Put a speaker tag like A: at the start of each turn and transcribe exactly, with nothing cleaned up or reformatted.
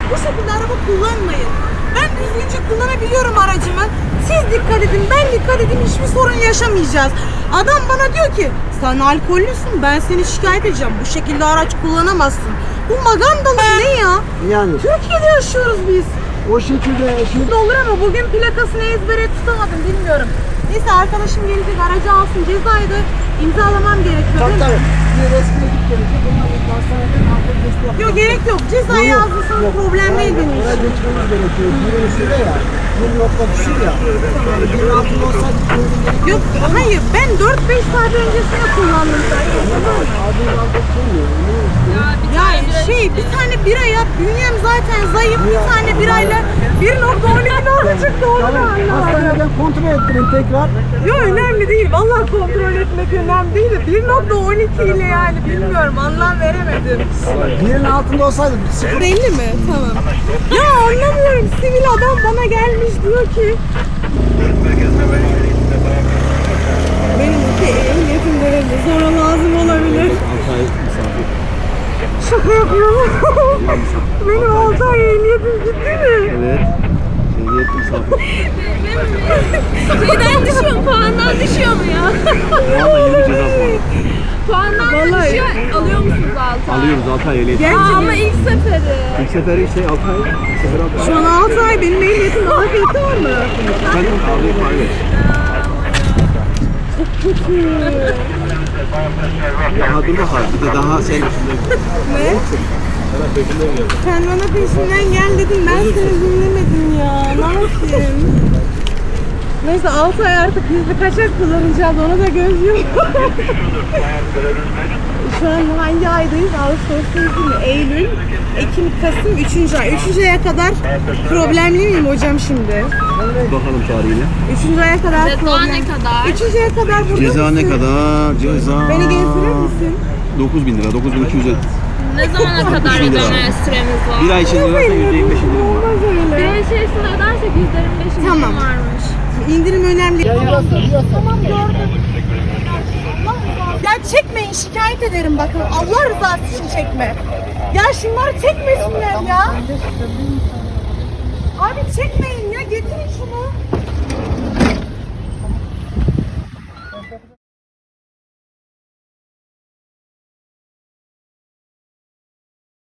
A: Bu şekilde araba kullanmayın. Ben düzgünce kullanabiliyorum aracımı. Siz dikkat edin, ben dikkat edin, hiçbir sorun yaşamayacağız. Adam bana diyor ki, sen alkollüsün, ben seni şikayet edeceğim. Bu şekilde araç kullanamazsın. Bu magandalık ne ya?
B: Yani.
A: Türkiye'de yaşıyoruz biz.
B: O şekilde şimdi
A: Olur ama bugün plakasını ezbere tutamadım, bilmiyorum. Neyse arkadaşım gelecek, aracı alsın, cezayı da imzalamam gerekiyor.
B: tabii
A: değil mi?
B: tabii. Bir resmine git gelecek. Onlar bir hastaneden alkol testi yapacak.
A: Yok gerek yok, cezayı yazdıysanız problem değil benim için.
B: Oraya geçmemiz gerekiyor. Birin üstünde ya. Bir nokta düşür ya. Yani birin altında olsaydı uygun gerekiyor.
A: Yok hayır, ben dört beş saat öncesinde kullandım zaten.
B: Adın alkol söylüyor.
A: Ya şey, bir tane bira yap, bünyem zaten zayıf, bir tane birayla bir nokta on iki oldu çıktı, onu da anlamadım.
B: Hastaneden kontrol ettirin tekrar.
A: Yok önemli değil, vallahi kontrol etmek önemli değil de bir nokta on iki ile yani bilmiyorum, anlam veremedim.
B: Birin altında olsaydı sıfır.
A: Belli mi? Tamam. Ya anlamıyorum, sivil adam bana gelmiş diyor ki benim iki ehliyetim verildi, sonra lazım olabilir. Şaka yapıyorum. Benim altı ay ehliyetim gitti mi?
B: Evet. Ehliyet misafir.
C: Şeyden düşüyor mu? Puandan düşüyor mu ya?
B: Valla yeni bir ceza var.
C: Puandan da
A: Vallahi.
C: düşüyor. Alıyor musunuz altı ay?
B: Alıyoruz altı ay ehliyet.
C: Aa,
A: Gerçekten.
C: ama ilk seferi.
B: İlk seferi işte altı ay. İlk seferi altı ay.
A: Şu an altı ay benim ehliyetim daha kötü mü?
B: Efendim abi paylaş. Daha dur bakalım bir de daha sen
A: Ne? Sen bana peşinden gel dedin, ben seni dinlemedim ya. Ne yapayım? Neyse altı ay artık gizli kaçak kullanacağız, ona da göz yum. Şu an hangi aydayız? Ağustos'tayız değil mi? Eylül, Ekim, Kasım, üçüncü ay. üçüncü aya kadar problemli miyim hocam şimdi?
B: bakalım tarihine.
A: üçüncü aya kadar
C: Ceza
A: problem.
C: ne kadar?
A: üçüncü aya kadar burada
B: Ceza ne
A: mısın?
B: kadar? Ceza
A: Beni gezdirir misin?
B: dokuz bin lira, dokuz bin iki yüz elli.
C: Ne zamana kadar
B: bin lira.
C: ödeme süremiz var?
B: Bir ay içinde ödersen yüzde yirmi beş indirim var.
A: Olmaz
C: Bir
A: öyle.
C: ay içerisinde ödersek yüzde yirmi beş indirim
A: Tamam.
C: varmış.
A: İndirim önemli.
B: Tamam
A: gördüm. Ya çekmeyin, şikayet ederim bakın. Allah rızası için çekme. Ya şunları çekmesinler ya. Abi çekmeyin ya, getirin şunu.